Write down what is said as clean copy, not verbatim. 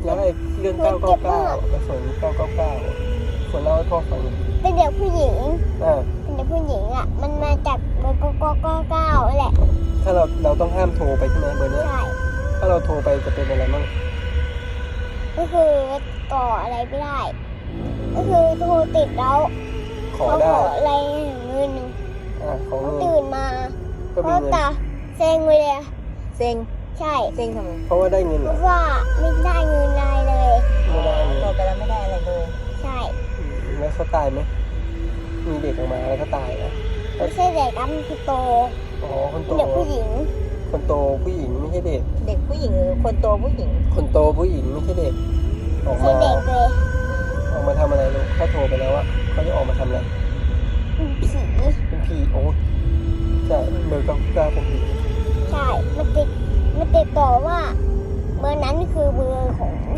แล้วไอ้เรื่อง999กระสุน999คนเล่าให้พ่อฟังเป็นเด็กผู้หญิงอ่าเป็นเด็กผู้หญิงอ่ะมันมาจากเบอร์999แหละถ้าเราต้องห้ามโทรไปใช่ไหมเบอร์นี้ใช่ถ้าเราโทรไปจะเป็นอะไรบ้างก็คือต่ออะไรไม่ได้ ก็คือโทรติดแล้วขอเขาได้ขออะไรเงินของเขาเงินตื่นมาก็มีเขาเงินตาเซ็งเลยอะเซ็งใช่เซ็งทำไมเพราะว่าได้เงินเพเหรอราะว่าไม่ได้เงินอะไรเลยไม่ได้เงินโทรไปแล้วไม่ได้อะไรเลยใช่แล้วเขาตายไหมมีเด็กออกมาแล้วก็ตายนะไม่ใช่เด็กครับมันคือโตอ๋อคนโตเป็นเด็กผู้หญิงคนโตผู้หญิงไม่ใช่เด็กเด็กผู้หญิงหรือคนโตผู้หญิงคนโตผู้หญิงไม่ใช่เด็กออกไม่มาใช่เด็กเลยออกมาทำอะไรลูกถ้าโทรไปแล้วอะเขาจะออกมาทำอะไรเป็นผีเป็นผีโอ้ใช่เบอร์999เป็นผีใช่มันติดต่อว่าเบอร์นั้นคือเบอร์ของ